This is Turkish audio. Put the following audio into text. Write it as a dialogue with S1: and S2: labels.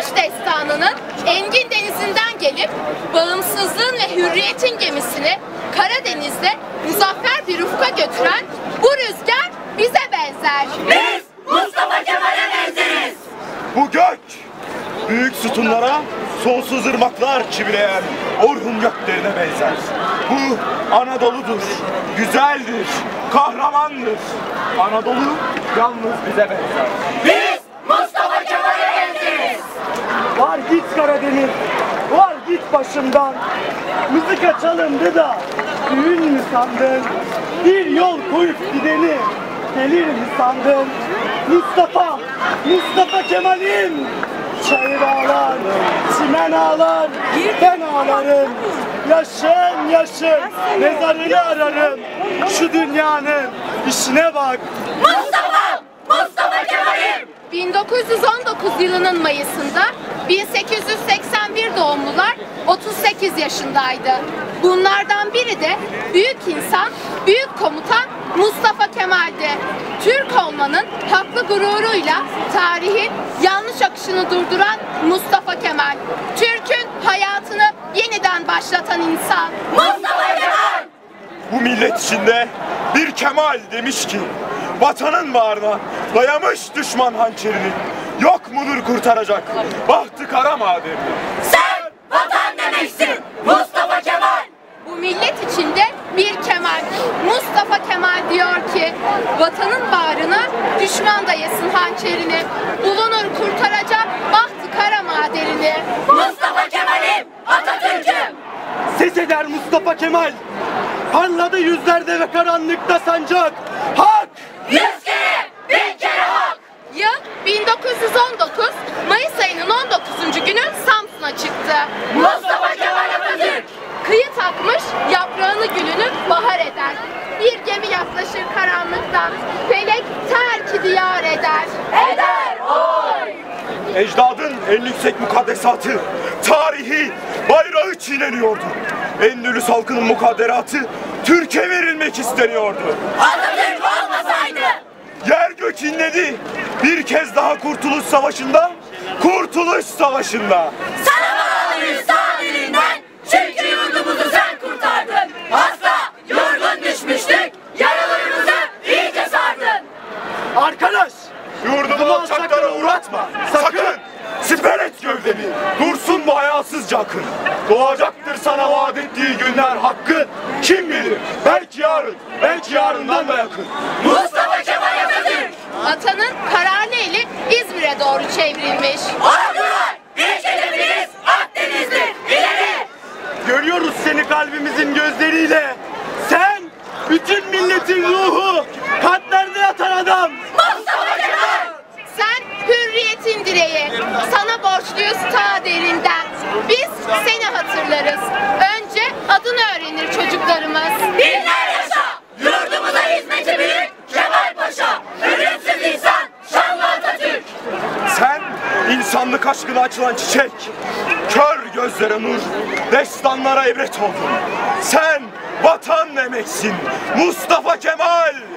S1: Kurtuluş Destanı'nın engin denizinden gelip bağımsızlığın ve hürriyetin gemisini Karadeniz'de muzaffer bir ufka götüren bu rüzgar bize benzer.
S2: Biz Mustafa Kemal'e benzeriz.
S3: Bu gök büyük sütunlara sonsuz ırmaklar çivileyen Orhun göklerine benzer. Bu Anadolu'dur, güzeldir, kahramandır. Anadolu yalnız bize benzer.
S2: Biz Mustafa Kemal'e benzeriz.
S4: Var git Karadeniz, var git başımdan. Mızıka çalındı da düğün mü sandın? Bir yol koyup gideni gelir mi sandın? Mustafa Kemal'im. Çayır ağlar, çimen ağlar, ben ağlarım. Yaşın, mezarını ararım. Şu dünyanın işine bak.
S2: Mustafa Kemal'im.
S1: 1919 yılının Mayıs'ında 1881 doğumlular 38 yaşındaydı. Bunlardan biri de büyük insan, büyük komutan Mustafa Kemal'di. Türk olmanın haklı gururuyla tarihin yanlış akışını durduran Mustafa Kemal. Türk'ün hayatını yeniden başlatan insan.
S2: Mustafa Kemal.
S3: Bu millet içinde bir Kemal demiş ki, vatanın bağrına dayamış düşman hançerini. Yok mudur kurtaracak bahtı kara madeni?
S2: Sen vatan demeksin Mustafa Kemal.
S1: Bu millet içinde bir Kemal, Mustafa Kemal diyor ki, vatanın bağrına düşman dayasın hançerini, bulunur kurtaracak bahtı kara maderini.
S2: Mustafa Kemal'im, Atatürk'üm.
S4: Ses eder Mustafa Kemal. Parladı yüzlerde ve karanlıkta sancak. Hak!
S2: 100 kere, 1000 kere hak.
S1: Yıl 1919, Mayıs ayının 19. günü Samsun'a çıktı.
S2: Mustafa Kemal Atatürk.
S1: Kıyı takmış, yaprağını gülünü bahar eder. Bir gemi yaklaşır karanlıktan, felek terk diyar eder.
S2: Eder oy.
S3: Ecdadın en yüksek mukaddesatı, tarihi bayrağı çiğneniyordu. Endülüs halkının mukadderatı Türkiye verilmek isteniyordu.
S2: Atatürk olmasaydı.
S3: Yer gök inledi. Bir kez daha Kurtuluş Savaşı'nda, Kurtuluş Savaşı'nda.
S2: Sana bağlıyız sağ dilinden. Çünkü yurdumuzu sen kurtardın. Hasta, yorgun düşmüştük. Yaralarımızı iyice sardın.
S4: Arkadaş!
S3: Yurdumu alçaklara uğratma. Sakın! Siper et gövdeni. Dursun bu hayasızca akın. Doğacaktır sana vaat ettiği günler hakkın. Kim bilir? Belki yarın, belki yarından da yakın.
S2: Mustafa Kemal Atatürk.
S1: Atanın kararlı eli İzmir'e doğru çevrilmiş.
S2: Ordular, ilk hedefiniz Akdeniz'dir. İleri.
S4: Görüyoruz seni kalbimizin gözleriyle. Sen bütün milletin ruhu, kalplerde yatan adam.
S2: Mustafa Kemal.
S1: Sen hürriyetin direği, sana borçluyuz ta derinden. Biz seni hatırlarız. Önce adını öğrenir çocuklarımız.
S2: Binler yaşa. Yurdumuza hizmeti büyük Kemal Paşa. Ölümsüz insan, şanlı Atatürk.
S3: Sen insanlık aşkına açılan çiçek. Kör gözlere nur, destanlara ibret oldun. Sen vatan demeksin Mustafa Kemal.